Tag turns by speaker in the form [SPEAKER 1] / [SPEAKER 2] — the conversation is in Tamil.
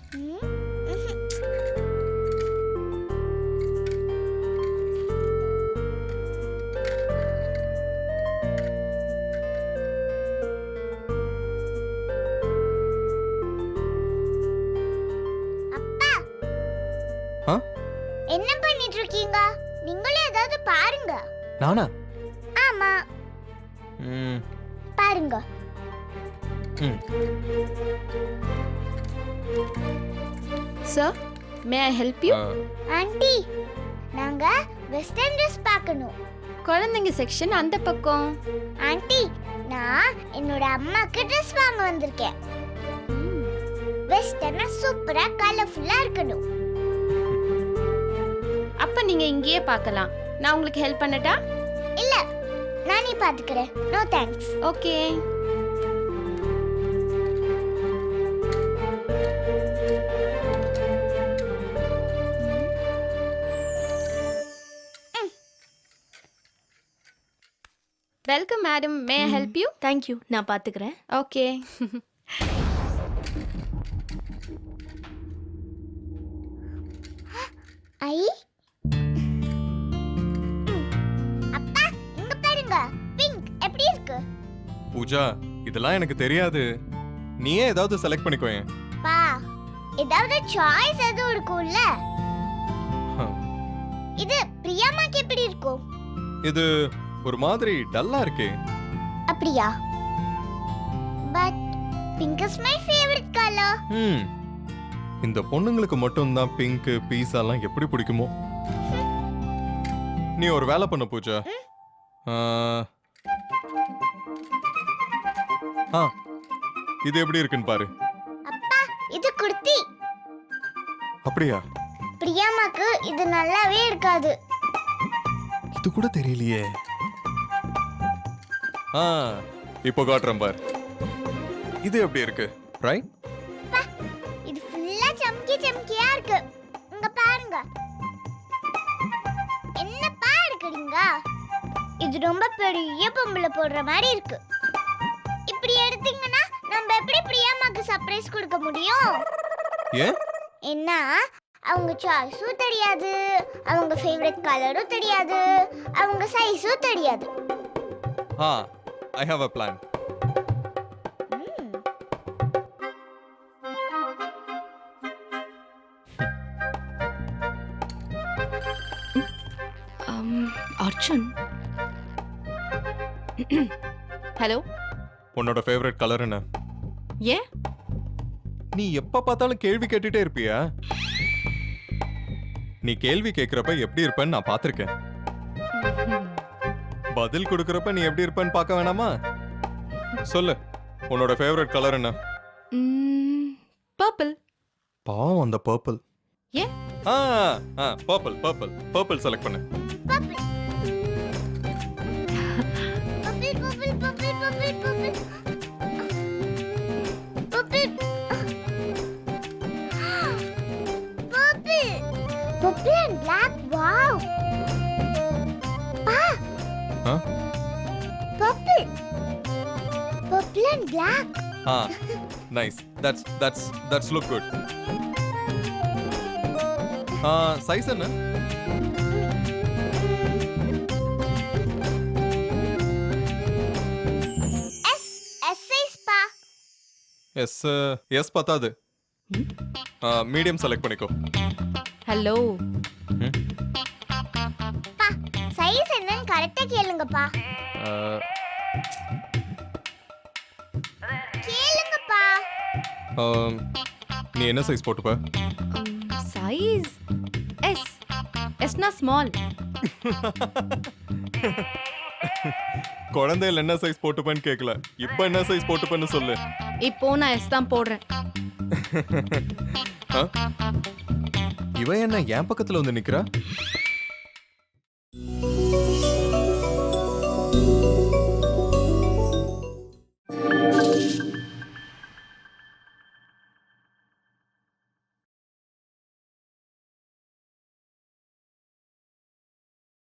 [SPEAKER 1] என்ன பண்ணிட்டு இருக்கீங்க? நீங்களே ஏதாவது பாருங்க.
[SPEAKER 2] நானா?
[SPEAKER 1] ஆமா. பாருங்க.
[SPEAKER 3] Sir, may I help you?
[SPEAKER 1] Aunty, நாங்க வெஸ்டர்ன் ட்ரெஸ் பார்க்கணும்.
[SPEAKER 3] குழந்தைங்க செக்ஷன் அந்த பக்கம்.
[SPEAKER 1] ஆண்டி, நான் என்னோட அம்மாக்கு ட்ரெஸ் வாங்க வந்திருக்கேன். வெஸ்டர்னா சூப்பரா கலர்ஃபுல்லா இருக்கணும்.
[SPEAKER 3] அப்ப நீங்க இங்கேயே பார்க்கலாம். நான் உங்களுக்கு ஹெல்ப் பண்ணட்டா?
[SPEAKER 1] இல்ல, நானே பாத்துக்கிறேன். No thanks.
[SPEAKER 3] Okay. Welcome madam. May I help you?
[SPEAKER 4] Thank you, நான் பாத்துக்கிறேன்.
[SPEAKER 3] ஓகே.
[SPEAKER 1] ஐ, அப்பா இங்க பாருங்க. பிங்க் எப்படி இருக்கு?
[SPEAKER 2] பூஜா, இதெல்லாம் எனக்கு தெரியாது. நீயே ஏதாவது செலக்ட் பண்ணிக்கோயே.
[SPEAKER 1] பா, ஏதாவது சாய்ஸ் எதுவும் இருக்கும்ல? இது பிரியாமாக்கு எப்படி இருக்கும்?
[SPEAKER 2] இது ஒரு மாதிரி டல்லா இருக்கே.
[SPEAKER 1] அப்படியா? But pink is my favourite colour.
[SPEAKER 2] இந்த பொண்ணுங்களுக்கு மட்டும் தான் பிங்க் பீஸாலாம் எப்படி பிடிக்குமோ. நீ ஒரு வேலை பண்ண பூஜா. இது எப்படி இருக்குன்னு பாரு.
[SPEAKER 1] அப்பா, இது குர்த்தி.
[SPEAKER 2] அப்படியா?
[SPEAKER 1] பிரியாமாக்கு இது நல்லாவே இருக்காது.
[SPEAKER 2] இது கூட தெரியலையே. இப்போ காட்டுறேன் பார். இது எப்படி இருக்கு? ரைட்?
[SPEAKER 1] இது ஃபுல்லா சம்கி சம்கியா இருக்கு. இங்க பாருங்க. என்னப்பா எடுக்குறீங்க? இது ரொம்ப பெரிய பொம்பளை போடுற மாதிரி இருக்கு. இப்படி எடுத்தீங்கன்னா நம்ம எப்படி பிரியாமாக்கு சர்ப்ரைஸ் கொடுக்க முடியும்?
[SPEAKER 2] ஏன்?
[SPEAKER 1] என்ன, அவங்க சாய்ஸும் தெரியாது, அவங்க ஃபேவரட் கலரும் தெரியாது, அவங்க சைஸும் தெரியாது.
[SPEAKER 2] I have a plan.
[SPEAKER 4] Arjun. Hello.
[SPEAKER 2] உன்னோட ஃபேவரட் கலர் என்ன?
[SPEAKER 4] ஏன்?
[SPEAKER 2] நீ எப்ப பார்த்தாலும் கேள்வி கேட்டுட்டே இருப்பியா? நீ கேள்வி கேக்குறப்ப எப்படி இருப்பேன்னு நான் பார்த்திருக்கேன். பதில் கொடுக்கறப்ப நீ எப்படி இருப்பேன்னு பார்க்க வேணாமா? சொல்லு, உன்னோட ஃபேவரட் கலர் என்ன?
[SPEAKER 4] பர்பிள்.
[SPEAKER 2] பாவம் அந்த பர்பிள்.
[SPEAKER 4] ஏன்?
[SPEAKER 2] பர்பிள் பர்பிள் பர்பிள் செலக்ட் பண்ணு.
[SPEAKER 1] Purple purple purple purple purple purple purple and black. Wow. Purple and black.
[SPEAKER 2] Nice. That's look good. Size என்ன?
[SPEAKER 1] S size pa.
[SPEAKER 2] S பத்தாது. மீடியம் செலக்ட் பண்ணிக்கோ.
[SPEAKER 4] ஹலோ.
[SPEAKER 1] பா, சைஸ் என்னன்னு கரெக்ட்டா கேளுங்கப்பா. கேளுங்கப்பா.
[SPEAKER 2] நீ என்ன சைஸ் போட்டுப்ப?
[SPEAKER 4] Size S. Sனா ஸ்மால்.
[SPEAKER 2] குழந்தையில என்ன சைஸ் போட்டுப்பேன்னு கேட்கல. இப்போ என்ன சைஸ் போட்டுப்பேன்னு சொல்லு.
[SPEAKER 4] இப்போ நான் S தான் போடுறேன்.
[SPEAKER 2] இவ என்ன என் பக்கத்துல வந்து நிக்கிறா?